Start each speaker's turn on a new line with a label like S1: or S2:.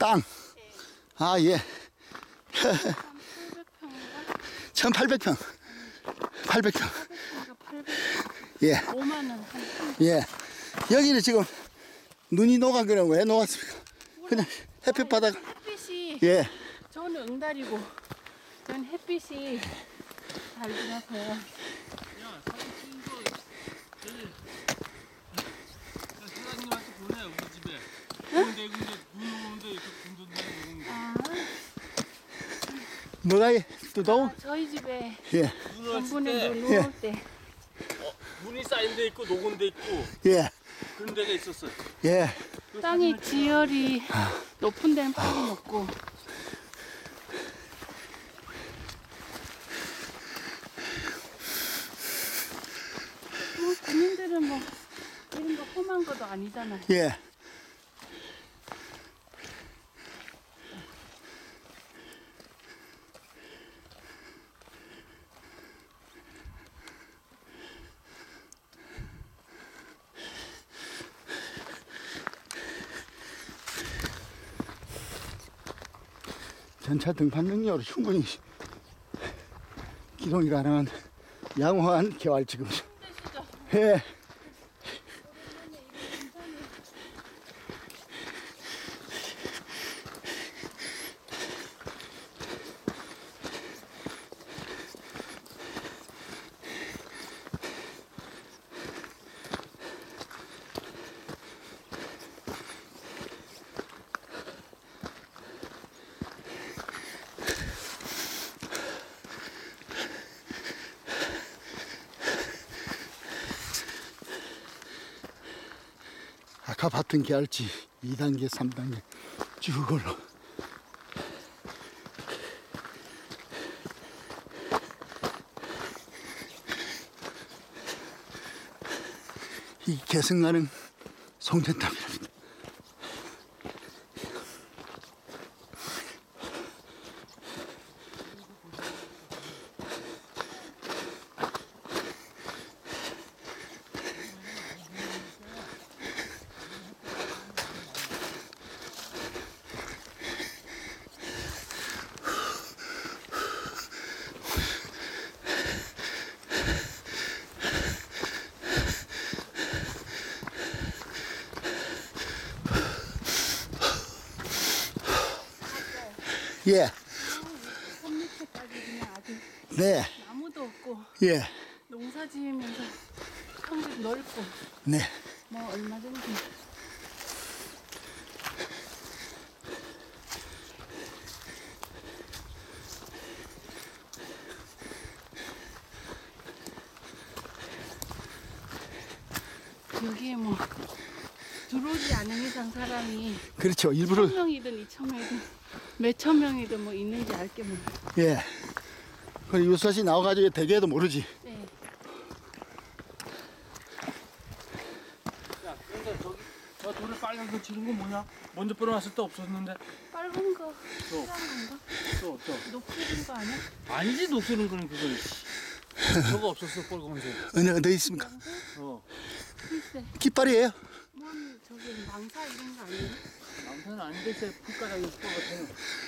S1: 땅.
S2: 네.
S1: 아, 예.
S2: 1800평인가?
S1: 1800평. 800평.
S2: 400평인가 800평.
S1: 예.
S2: 5만 원 한.
S1: 예. 여기는 지금 눈이 녹아. 그럼 왜 녹았습니까? 그냥 햇빛 바다가.
S2: 햇빛이
S1: 예.
S2: 저는 응달이고 저는 햇빛이 잘 들어서요.
S3: 야, 사진 찍은 거 저기 사장님한테 보내 우리 집에. 근데 눈 오는데 이렇게 군전되는 거.
S2: 아,
S1: 뭐가 또 더워?
S2: 저희 집에
S1: 예.
S3: 눈 왔을
S2: 전분에
S3: 때
S2: 눈 올 때
S3: 눈이 쌓인 데 있고 녹은 데 있고
S1: 예.
S3: 그런 데가 있었어.
S1: 예.
S2: 땅이 지열이 높은 데는 빨리 녹고 뭐 군인들은 뭐 이런 거 험한 것도 아니잖아요.
S1: 예. 전차 등판 능력으로 충분히 기동이 가능한 양호한 개활 지금.
S2: 힘드시죠?
S1: 예. 아까 봤던 계알치 2단계, 3단계 쭉 올라. 이 계승가는 송전탑이랍니다. 예.
S2: 산 밑에까지 그냥 아주
S1: 네.
S2: 나무도 없고
S1: 예.
S2: 농사 지으면서 평집 넓고
S1: 네.
S2: 뭐 얼마든지 여기에 뭐 들어오지 않은 이상 사람이
S1: 그렇죠. 일부러.
S2: 1000명이든 2000명이든 몇천 명이든 뭐 있는지 알게 뭐.
S1: 예. 그리고 유사시 나와가지고 대개도 모르지.
S2: 네.
S3: 야, 근데 저기 저 돌에 빨간 거 치는 건 뭐냐? 먼저 뿌려놨을 때 없었는데.
S2: 빨간 거 필요한 건가?
S3: 저.
S2: 녹색인 거 아니야?
S3: 아니지 녹슬은 거는 그건. 저거 없었어 빨간색.
S1: 어디 있습니까?
S3: 어.
S2: 글쎄
S1: 깃발이에요.
S2: 뭔 저기 망사 이런 거 아니야?
S3: 남편은 아닌데 제 풀가락이 있을 것 같아요.